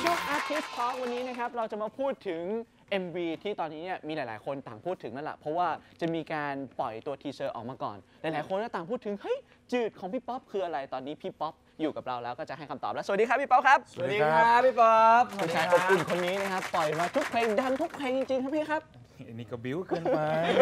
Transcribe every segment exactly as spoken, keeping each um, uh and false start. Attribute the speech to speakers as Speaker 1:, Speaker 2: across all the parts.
Speaker 1: ช่วง Artist Talk วันนี้นะครับเราจะมาพูดถึง เอ็ม วี ที่ตอนนี้เนี่ยมีหลายๆคนต่างพูดถึงนั่นแหละเพราะว่าจะมีการปล่อยตัวทีเซอร์ออกมาก่อนหลายๆคนก็ต่างพูดถึงเฮ้ยจืดของพี่ป๊อปคืออะไรตอนนี้พี่ป๊อปอยู่กับเราแล้วก็จะให้คำตอบแล้วสวัสดีครับพี่ป๊อปครับ
Speaker 2: สวัสดีครับพี่ป๊อป
Speaker 1: ผู้ชายอบอุ่นคนนี้นะครับปล่อยมาทุกเพลงดังทุกเพลงจริงๆครับพี่ครับ
Speaker 3: อันนี้ก็บิ้วเกินไป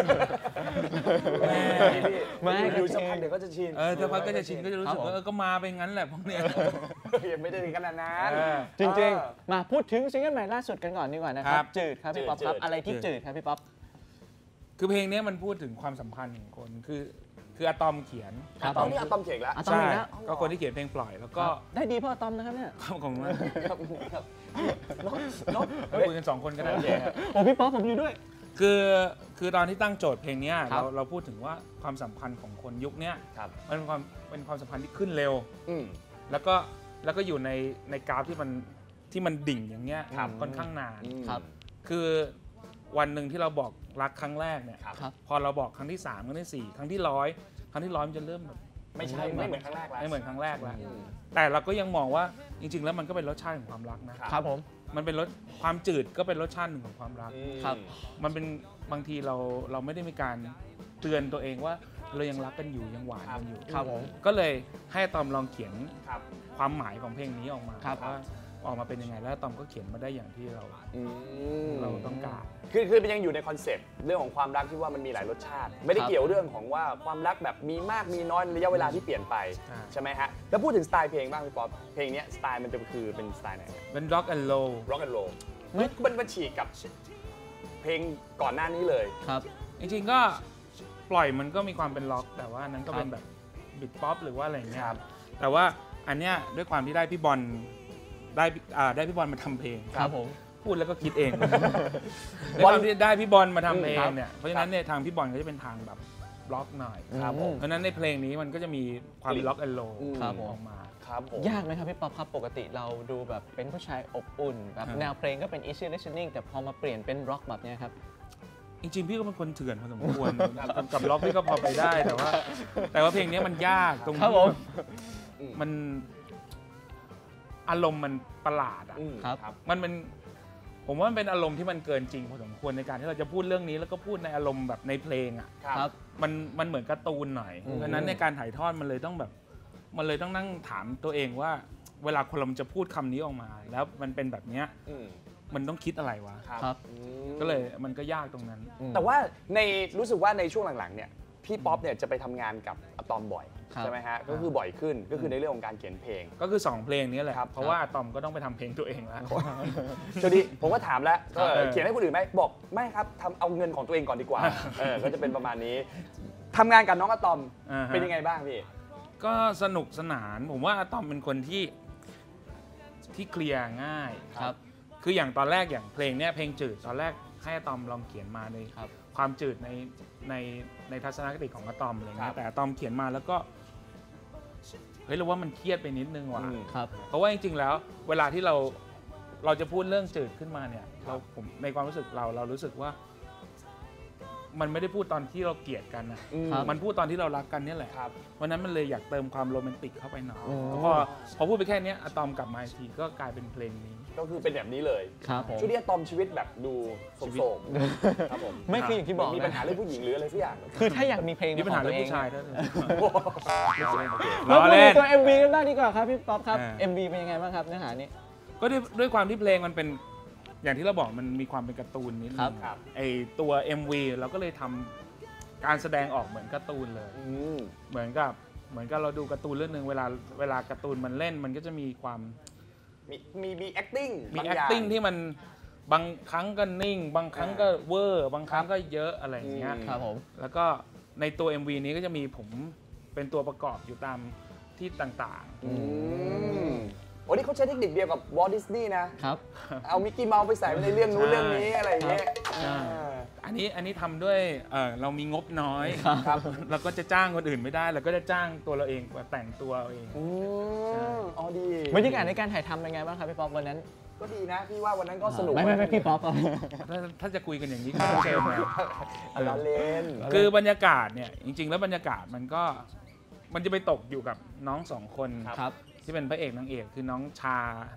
Speaker 2: ไม่ดูสักพักเดี๋ยวก็จะชิน
Speaker 3: เออถ้าพักก็จะชินก็จะรู้สึกว่าเออก็มาไปงั้นแหละพวกเนี้ย
Speaker 2: ยังไม่ได้ถึงขนาดนั้น
Speaker 1: จริงๆมาพูดถึงซิงเกิลใหม่ล่าสุดกันก่อนดีกว่านะครับจืดครับพี่ป๊อปครับอะไรที่จืดครับพี่ป๊อป
Speaker 3: คือเพลงนี้มันพูดถึงความสัมพันธ์ของคนคือคืออะตอมเขียน
Speaker 2: ตอนนี้อะตอมเจ๋งแล้ว
Speaker 1: อะตอม
Speaker 3: ใช่
Speaker 1: อีกแล้ว
Speaker 3: ก็คนที่เขียนเพลงปล่อยแล้วก็
Speaker 1: ได้ดีเพราะอะตอมนะครับเนี่ย
Speaker 3: ของมัน
Speaker 2: ครับครับรถรถ
Speaker 3: คุยกันสองคนก็ได้
Speaker 1: โอ้พี่ป๊อปผมอยู่ด้วย
Speaker 3: คือคือตอนที่ตั้งโจทย์เพลงนี้
Speaker 1: ครั
Speaker 3: เรา
Speaker 1: บ
Speaker 3: เราพูดถึงว่าความสัมพันธ์ของคนยุคนี้
Speaker 2: ครับ
Speaker 3: มันเป็นความเป็นความสัมพันธ์ที่ขึ้นเร็ว
Speaker 2: อืม
Speaker 3: แล้วก็แล้วก็อยู่ในในกราฟที่มันที่มันดิ่งอย่างเงี้ย
Speaker 2: ครับ
Speaker 3: ค่อนข้างนาน
Speaker 1: ครับ
Speaker 3: คือวันหนึ่งที่เราบอกรักครั้งแรกเนี่ย
Speaker 2: ครับ
Speaker 1: ครับ
Speaker 3: พอเราบอกครั้งที่สามครั้งที่สี่ครั้งที่ร้อยครั้งที่ร้อยมันจะเริ่มแบบ
Speaker 2: ไม่ใช่ไม่เหมือนครั้งแรกแล้ว
Speaker 3: ไม่เหมือนครั้งแรกแล้ว
Speaker 2: อืม
Speaker 3: แต่เราก็ยังมองว่าจริง ๆ แล้วมันก็เป็นรสชาติของความรักนะ
Speaker 1: ครับผม
Speaker 3: มันเป็นรสความจืดก็เป็นรสชาติหนึ่งของความรัก
Speaker 1: ครับ
Speaker 3: มันเป็นบางทีเราเราไม่ได้มีการเตือนตัวเองว่าเรายังรักกันอยู่ยังหวานกันอยู่
Speaker 1: ครับผม
Speaker 3: ก็เลยให้ตอมลองเขียน
Speaker 2: ครับ
Speaker 3: ความหมายของเพลงนี้ออกมา
Speaker 1: ครับ
Speaker 3: ว่าออกมาเป็นยังไงแล้วตอมก็เขียนมาได้อย่างที่เรา
Speaker 2: อืม
Speaker 3: เราต้องการ
Speaker 2: คือคือมันยังอยู่ในคอนเซปต์เรื่องของความรักที่ว่ามันมีหลายรสชาติ ไม่ได้
Speaker 1: ครับ
Speaker 2: เกี่ยวเรื่องของว่าความรักแบบมีมากมีน้อยในระยะเวลาที่เปลี่ยนไป
Speaker 3: ใช่
Speaker 2: ใช่ไหมฮะแล้วพูดถึงสไตล์เพลงบ้างพี่ป๊อปเพลงเนี้ยสไตล์มันจะคือเป็นสไตล์ไหน
Speaker 3: เป็น rock and roll
Speaker 2: ร็อกแอนด์โรล
Speaker 1: เฮ้ย
Speaker 2: มันมันฉีกกับเพลงก่อนหน้านี้เลย
Speaker 1: ครับ
Speaker 3: จริงๆก็ปล่อยมันก็มีความเป็นล็อก แต่ว่าอันนั้นก็เป็น
Speaker 1: ครับ
Speaker 3: แบบบิดป๊อปหรือว่าอะไรอย่างเงี้ย
Speaker 2: ครับ
Speaker 3: แต่ว่าอันเนี้ยด้วยความที่ได้พี่บอลได้อ่าได้พี่บอลมาทำเพลง
Speaker 1: ครับผม
Speaker 3: พูดแล้วก็คิดเอง ด้วยความที่ได้พี่บอลมาทำเพลง
Speaker 1: ครับ
Speaker 3: เนี่ยเพราะฉะนั้นเนี่ยทางพี่บอลก็จะเป็นทางแบบล็อกหน่อย
Speaker 2: ครับผม
Speaker 3: เพราะฉะนั้นในเพลงนี้มันก็จะมีความล็อกแอนด์โล
Speaker 2: อืม
Speaker 1: ครับผม
Speaker 3: ออกมา
Speaker 2: ครับผม
Speaker 1: ยากไหมครับพี่ป๊อปครับปกติเราดูแบบเป็นผู้ชายอบอุ่นแบบ
Speaker 3: ครับ
Speaker 1: แนวเพลงก็เป็น easy listening แต่พอมาเปลี่ยนเป็นร็อกแบบเนี้ยครับ
Speaker 3: จริงๆพี่ก็เป็นคนเถื่อนพอสมควร กับกับล็อกพี่ก็พอไปได้แต่ว่า แต่ว่าเพลงนี้มันยากตรง
Speaker 1: ครับ
Speaker 3: ที่
Speaker 1: ผม
Speaker 3: แบบมันอารมณ์มันประหลาดอ่ะ
Speaker 2: อืม
Speaker 1: ครับ
Speaker 2: ครับ
Speaker 3: มันเป็นผมว่ามันเป็นอารมณ์ที่มันเกินจริงพอสมควรในการที่เราจะพูดเรื่องนี้แล้วก็พูดในอารมณ์แบบในเพลงอ่ะ
Speaker 1: ครับ
Speaker 3: มันมันเหมือนการ์ตูนหน่อย
Speaker 1: อืม
Speaker 3: เพราะฉะนั้นในการถ่ายทอดมันเลยต้องแบบมันเลยต้องนั่งถามตัวเองว่า เวลาคนเราจะพูดคำนี้ออกมา แล้วมันเป็นแบบเนี้ย
Speaker 2: อืม
Speaker 3: มันต้องคิดอะไรวะ
Speaker 1: ครับ
Speaker 2: อืม
Speaker 3: ก็เลยมันก็ยากตรงนั้น
Speaker 1: อืม
Speaker 2: แต่ว่าในรู้สึกว่าในช่วงหลังๆเนี่ยพี่ป๊อปเนี่ยจะไปทำงานกับอะตอมบ่อย
Speaker 1: ครับ
Speaker 2: ใช่ไหมฮะก็คือบ่อยขึ้นก็คือในเรื่องของการเขียนเพลง
Speaker 3: ก็คือสองเพลงนี้แหละ
Speaker 2: ครับ
Speaker 3: เพราะว่าอะตอมก็ต้องไปทำเพลงตัวเองแล้ว
Speaker 2: จดีผมก็ถามแล้ว
Speaker 3: ครับ
Speaker 2: เออเขียนให้คนอื่นไหมบอกไม่ครับทำเอาเงินของตัวเองก่อนดีกว่าเออก็จะเป็นประมาณนี้ทำงานกับน้องอะตอม
Speaker 3: อ่าฮะ
Speaker 2: เป็นยังไงบ้างพี่
Speaker 3: ก็สนุกสนาน ผมว่าอะตอมเป็นคนที่ที่เคลียร์ง่าย
Speaker 1: ครับ
Speaker 3: คืออย่างตอนแรกอย่างเพลงเนี้ยเพลงจืดตอนแรกให้อะตอมลองเขียนมาใน
Speaker 1: ครับ
Speaker 3: ความจืดในในในทัศนคติของอะตอมอะไร
Speaker 2: ครั
Speaker 3: เงี้
Speaker 2: บ
Speaker 3: ยแต่อะตอมเขียนมาแล้วก็เฮ้ยเราว่ามันเครียดไปนิดนึงว่ะ
Speaker 2: อืม
Speaker 1: ครับ
Speaker 3: เพราะว่าจริงๆแล้วเวลาที่เราเราจะพูดเรื่องจืดขึ้นมาเนี่ยเราผมในความรู้สึกเราเรารู้สึกว่า มันไม่ได้พูดตอนที่เราเกลียดกันนะ
Speaker 2: อืม
Speaker 1: ครับ
Speaker 3: มันพูดตอนที่เรารักกันเนี่ยแหละ
Speaker 2: ครับ
Speaker 3: วันนั้นมันเลยอยากเติมความโรแมนติกเข้าไปหน่อย
Speaker 1: อืม
Speaker 3: แล้วพอพอพูดไปแค่เนี้ยอะตอมกลับมาอีกทีก็กลายเป็นเพลงนี้
Speaker 2: ก็คือเป็นแบบนี้เลย
Speaker 1: ครับผม
Speaker 2: ช่วงนี้อะตอมชีวิตแบบดูโศกๆครับผม
Speaker 1: ไม่คืออย่างที่บอก
Speaker 2: มี
Speaker 1: นะ
Speaker 2: ปัญหาเรื่องผู้หญิงหรืออะไรสักอย่าง
Speaker 1: คือถ้าอยากมีเพลง
Speaker 3: มีปัญหา
Speaker 1: ข
Speaker 3: เรื่
Speaker 1: อ
Speaker 3: อง
Speaker 1: งตัว
Speaker 3: ผู้ชาย
Speaker 1: เอง
Speaker 3: ด้วย
Speaker 1: เรา
Speaker 3: ล้อ
Speaker 1: พูด
Speaker 3: เล่
Speaker 1: ถึ
Speaker 3: น
Speaker 1: งตัว เอ็ม วี กันบ้างดีกว่าครับพี่ป๊อปครับ
Speaker 3: อ่า
Speaker 1: เอ็ม วี เป็นยังไงบ้างครับเนื้อหานี้
Speaker 3: ก็ด้วยด้วยความที่เพลงมันเป็นอย่างที่เราบอกมันมีความเป็นการ์ตูนนิดนึ
Speaker 1: ครับ
Speaker 3: ง
Speaker 2: ครับ
Speaker 3: ไอตัว เอ็ม วี เราก็เลยทำการแสดงออกเหมือนการ์ตูนเลย
Speaker 2: อืม
Speaker 3: เหมือนกับเหมือนกับเราดูการ์ตูนเรื่องหนึ่งเวลาเวลาการ์ตูนมันเล่นมันก็จะมีความ
Speaker 2: มีมีมี acting
Speaker 3: มี
Speaker 2: บางอย่าง
Speaker 3: acting ที่มันบางครั้งก็นิ่ง บางครั้งก็เวอร์บางครั้งก็เยอะอะไรอย่างเงี้ย
Speaker 2: อืม
Speaker 1: ครับผม
Speaker 3: แล้วก็ในตัว เอ็ม วี นี้ก็จะมีผมเป็นตัวประกอบอยู่ตามที่ต่าง
Speaker 2: อืมโอ้นี่เขาใช้เทคนิคเดียวกับวอลต์ดิสนีย์นะ
Speaker 1: ครับ
Speaker 2: เอามิกกี้เมาส์ไปใส่ไว้ในเรื่องนู้นเรื่องนี้อะไรอย่างเงี้ย
Speaker 3: ใช่
Speaker 2: อ่า
Speaker 3: ๆ อันนี้อันนี้ทำด้วยเอ่อเรามีงบน้อย
Speaker 2: ครับ
Speaker 3: เราก็จะจ้างคนอื่นไม่ได้เราก็จะจ้างตัวเราเองมาแต่งตัวเอาเอง
Speaker 2: อืมอ๋อดี
Speaker 1: บรรยากาศในการถ่ายทำเป็นไงบ้างครับพี่ป๊อปวันนั้น
Speaker 2: ก็ดีนะพี่ว่าวันนั้นก็สนุก
Speaker 1: ไม่ไม่ไม่พี่ป๊อปครับ
Speaker 3: ถ้าถ้าจะคุยกันอย่างนี้ก็ไม่เชิญนะ
Speaker 2: เอาล้อเล่น
Speaker 3: คือบรรยากาศเนี่ยจริง ๆ แล้วบรรยากาศมันก็มันจะไปตกอยู่กับน้องสองคน
Speaker 1: ครับ
Speaker 3: ที่เป็นพระเอกนางเอกคือน้องชา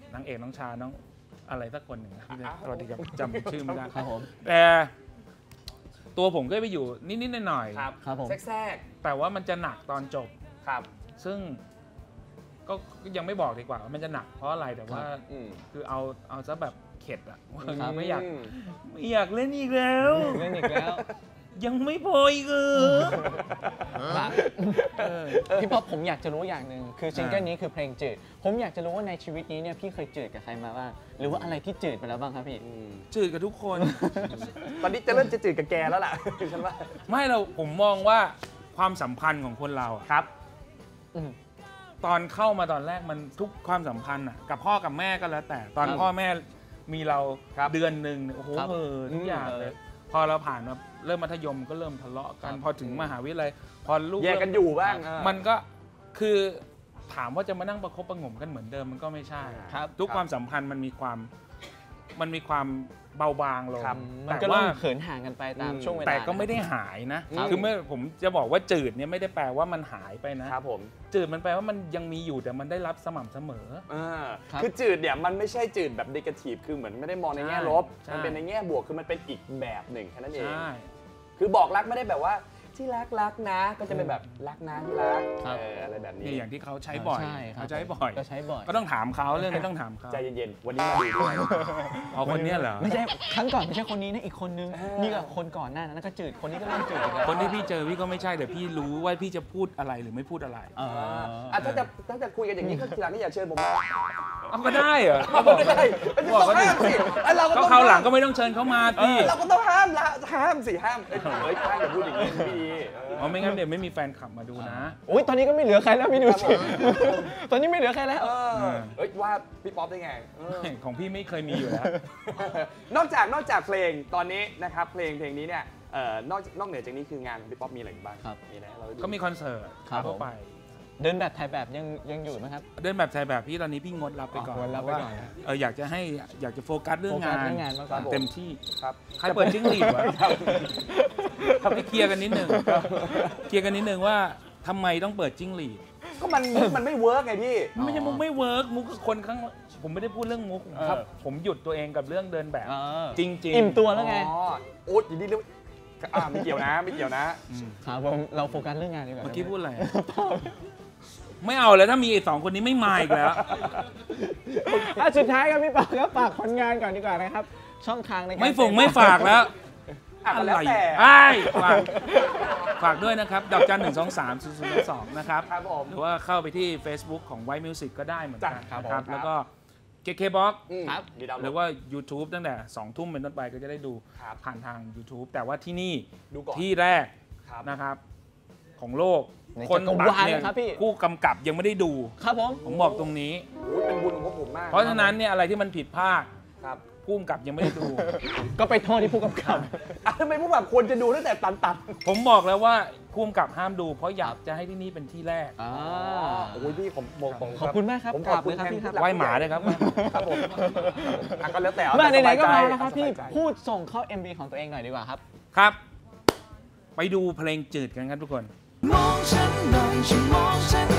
Speaker 3: นางเอกน้องชาน้องอะไรสักคนหนึ่งนะสวัสดีครับจำชื่อไม่ได้
Speaker 1: ครับผม
Speaker 3: แต่ตัวผมก็ไปอยู่นิดๆหน่อยๆ
Speaker 2: ครับ
Speaker 1: ครับผม
Speaker 2: แทรก
Speaker 3: แต่ว่ามันจะหนักตอนจบ
Speaker 2: ๆครับ
Speaker 3: ซึ่งก็ยังไม่บอกดีกว่าว่ามันจะหนักเพราะอะไรแต่ว่า
Speaker 2: อืม
Speaker 3: คือเอาเอาซะแบบเข็ดอะว่า
Speaker 1: ครับ
Speaker 3: ไม่อยากไม่อยากเล่นอีกแล้ว
Speaker 1: เล่นอีกแล้ว
Speaker 3: ยังไม่พออีกเออ
Speaker 1: ครับ
Speaker 3: เออ
Speaker 1: พี่ป๊อปผมอยากจะรู้อย่างหนึ่งคือซิงเกิล
Speaker 3: อ่านี้
Speaker 1: นี้คือเพลงจืดผมอยากจะรู้ว่าในชีวิตนี้เนี่ยพี่เคยจืดกับใครมาบ้างหรือว่าอะไรที่จืดไปแล้วบ้างครับพี่
Speaker 2: อืม
Speaker 3: จืดกับทุกคน
Speaker 2: ตอนนี้จะเริ่มจะจืดกับแกแล้วล่ะ ฉันว่า
Speaker 3: ไม่เราผมมองว่าความสัมพันธ์ของคนเราอะ
Speaker 2: ครับ
Speaker 1: อืม
Speaker 3: ตอนเข้ามาตอนแรกมันทุกความสัมพันธ์อะกับพ่อกับแม่ก็แล้วแต่ตอน
Speaker 1: ครับ
Speaker 3: พ่อแม่มีเรา
Speaker 2: ครับ
Speaker 3: เดือนหนึ่งเนี่ยโอ้โห
Speaker 1: ครับ
Speaker 3: เออทุกอย่าง
Speaker 1: อืม
Speaker 3: เลยพอเราผ่านมาเริ่มมัธยมก็เริ่มทะเลาะกัน
Speaker 1: ครับ
Speaker 3: พอถึงมหาวิทยาลัยพอลูก
Speaker 2: แยกกันอยู่บ้าง
Speaker 3: มันก็คือถามว่าจะมานั่งประคบประหงมกันเหมือนเดิมมันก็ไม่ใช่
Speaker 1: ครับ
Speaker 3: ทุก
Speaker 2: ครับ
Speaker 3: ความสัมพันธ์มันมีความมันมีความเบาบางลง
Speaker 2: ครับ
Speaker 1: มัน
Speaker 3: แต่
Speaker 1: ก็
Speaker 3: ว่า
Speaker 1: เริ่มเขินห่างกันไปตาม
Speaker 2: อืม
Speaker 1: ช่วงเวลา
Speaker 3: แต่ก็ไม่
Speaker 1: นะ
Speaker 3: ได้หายนะ
Speaker 2: ครับ
Speaker 3: คือเมื่อผมจะบอกว่าจืดเนี่ยไม่ได้แปลว่ามันหายไปนะ
Speaker 2: ครับผม
Speaker 3: จืดมันแปลว่ามันยังมีอยู่แต่มันได้รับสม่ำเสมอ
Speaker 2: อ่า
Speaker 1: ครับ
Speaker 2: คือจืดเนี่ยมันไม่ใช่จืดแบบเดกาทีฟคือเหมือนไม่ได้มองในแง่ลบ
Speaker 3: ใช่
Speaker 2: มันเป็นในแง่บวกคือมันเป็นอีกแบบหนึ่งแค่นั้นเอง
Speaker 3: ใช่
Speaker 2: คือบอกรักไม่ได้แบบว่าที่รักรักนะ ก็จะเป็นแบบรักนะที่รัก
Speaker 1: ครับ
Speaker 2: เอออะไรแบบนี้
Speaker 3: นี่อย่างที่เขาใช้บ่อย
Speaker 1: ใช่ครับ
Speaker 3: เขาใช้บ่อย
Speaker 1: ก็ใช้บ่อย
Speaker 3: ก็ต้องถามเขาเรื่องนี้ต้องถามเขา
Speaker 2: ใจเย็นๆ วันนี้มาดูด้วย
Speaker 3: เอาคนเนี้ยเหรอ
Speaker 1: ไม่ใช่ครั้งก่อนไม่ใช่คนนี้นะอีกคนนึง
Speaker 2: เออ
Speaker 1: นี่ก็คนก่อนหน้านั้นก็จืดคนนี้ก็เริ่มจืดอีกแล้ว
Speaker 3: คนที่พี่เจอพี่ก็ไม่ใช่แต่พี่รู้ว่าพี่จะพูดอะไรหรือไม่พูดอะไร
Speaker 1: อ่า
Speaker 2: อ่ะถ้าจะถ้าจะคุยกันอย่างนี้ก็ทีหลังก็อย่าเชิญผมนะ
Speaker 3: เอาก็ได้เหรอก็บอก
Speaker 2: ไม่
Speaker 3: เขา
Speaker 2: ได้
Speaker 3: ดิ
Speaker 2: ไม่
Speaker 3: บอก
Speaker 2: ต้อง
Speaker 3: เขาดิ
Speaker 2: ห้ามสิไอ้เราก็
Speaker 3: ก็
Speaker 2: ต้อง
Speaker 3: คราวหลังก็ไม่ต้องเชิญเขามาพี่
Speaker 2: เราก็ต้องห้ามละห้ามสิห้ามเอ้ยเฮ้ยห้ามอย่าพูดอย่างนี้ไม่ดีเออ
Speaker 3: เพราะไม่งั้นเดี๋ยวไม่มีแฟนคลับมาดูนะ
Speaker 1: โอ้ยตอนนี้ก็ไม่เหลือใครแล้วพี่ดูสิ ตอนนี้ไม่เหลือใครแล้ว
Speaker 2: เออเฮ้ยว่าพี่ป๊อปได้ไงเออ
Speaker 3: ของพี่ไม่เคยมีอยู่แล้ว
Speaker 2: นอกจากนอกจากเพลงตอนนี้นะครับเพลงเพลงนี้เนี่ยเอ่อนอกนอกเหนือจากนี้คืองานของพี่ป๊อปมีอะไรอีกบ้าง
Speaker 1: ครับ
Speaker 2: มีอะไรให้เราดู
Speaker 3: ก็มีคอนเสิร์ต
Speaker 1: ครับ
Speaker 3: ทั่วไป
Speaker 1: เดินแบบถ่ายแบบยังยังอยู่ไหมครับ
Speaker 3: เดินแบบถ่ายแบบพี่ตอนนี้พี่งดรับไปก่อน
Speaker 1: อ๋องดรับไปก่อน
Speaker 3: เพาะว่าเอออยากจะให้อยากจะโฟกัสเรื่อง
Speaker 1: โฟกั
Speaker 3: งา
Speaker 1: ส
Speaker 3: น
Speaker 1: เรื่องงานมากกว่า
Speaker 3: เต็มที่
Speaker 2: ครับ
Speaker 3: ใครเปิดจิ้งหรีดวะครับพี่เคลียร์กันนิดนึงเคลียร์กันนิดนึงว่าทำไมต้องเปิดจิ้งหรีด
Speaker 2: ก็มันมุกมันไม่เวิร์กไงพี่
Speaker 3: มันไม่ใช่มุกไม่เวิร์กมุกคือคนข้างผมไม่ได้พูดเรื่องมุกครับ
Speaker 1: เออ
Speaker 3: ผมหยุดตัวเองกับเรื่องเดินแบบ
Speaker 1: เออ
Speaker 3: จริงๆ
Speaker 1: อิ่มตัวแล้วไง
Speaker 2: อ๋อโอ๊ตยินดีเลยอ่าไม่เกี่ยวนะไม่เกี่ยวนะ
Speaker 3: อืม
Speaker 1: ครับผมเราโฟกัสเรื่องงานดีกว่า
Speaker 3: เมื่อกี้พูดอะไรไม่เอาแล้วถ้ามีไอ้สองคนนี้ไม่มาอีกแล้ว
Speaker 1: อ่ะสุดท้ายครับพี่ปอกครับฝากผลงานก่อนดีกว่านะครับ ช่องทางในการ
Speaker 3: ไม่ฝงไม่ฝากแล้ว
Speaker 2: อ่ะก็แล้วแต่
Speaker 3: ไอ้ฝากฝากด้วยนะครับดอกจันหนึ่งสองสามศูนย์ศูนย์สองนะครับ
Speaker 2: ครับผม
Speaker 3: หรือว่าเข้าไปที่ Facebook ของ White Music ก็ได้เหมือนกัน
Speaker 2: จ้ะครับ
Speaker 3: นะ
Speaker 2: ผม
Speaker 3: แล้วก็ เค เค บ็อกซ์
Speaker 2: อืม
Speaker 1: ครับ
Speaker 2: มีดาวน์
Speaker 3: ห
Speaker 2: โหล
Speaker 3: รือ
Speaker 2: ด
Speaker 3: ว่า YouTube ตั้งแต่สองทุ่มเป็นต้นไปก็จะได้ดู
Speaker 2: ครับ
Speaker 3: ผ่านทาง YouTube แต่ว่าที่นี่
Speaker 2: ดูก่อน
Speaker 3: ที่แรก
Speaker 2: ครับ
Speaker 3: นะครับ ของโลก
Speaker 1: ใน
Speaker 3: คน
Speaker 1: จักร
Speaker 3: ตัด
Speaker 1: วาล
Speaker 3: เนี่ย
Speaker 1: นะครับพี่
Speaker 3: ผู้กำกับยังไม่ได้ดู
Speaker 1: ครับผม
Speaker 3: ผมบอกตรงนี้
Speaker 2: โอ้ยเป็นบุญของพวกผมมาก
Speaker 3: เพราะฉะนั้นเนี่ยอะไรที่มันผิดพลาด
Speaker 2: ครับ
Speaker 3: ผู้กำกับยังไม่ได้ดู
Speaker 1: ก็ไปโทษที่ผู้กำกับ
Speaker 2: อ่ะทำไมพวกแบบควรจะดูตั้งแต่ตันตัน
Speaker 3: ผมบอกแล้วว่าผู้กำกับห้ามดู เพราะอยากจะให้ที่นี่เป็นที่แรก
Speaker 1: อ่า
Speaker 2: โอ้ยพี่ผมบอกตรง
Speaker 1: ขอบคุณมากครับ
Speaker 2: ผมขอบคุณ
Speaker 1: กราบเลยครับ
Speaker 2: แทน
Speaker 1: พี่ครับ
Speaker 2: ผู้ลัก
Speaker 3: ไหว้หมาด้วยครับ
Speaker 2: ครับผมอ่ะก็แล้วแต่เอ
Speaker 1: มา
Speaker 2: แต่
Speaker 1: ไหนๆก็
Speaker 2: สบ
Speaker 1: มาย
Speaker 2: ใจ
Speaker 1: แล้วครับพี่
Speaker 2: สบายใจ
Speaker 1: พูดส่งเข้า เอ็ม วี ของตัวเองหน่อยดีกว่าครับ
Speaker 3: ครับ ไปดูเพลงจืดกันครับทุกคน
Speaker 4: มองฉันหน่อยฉันมองฉัน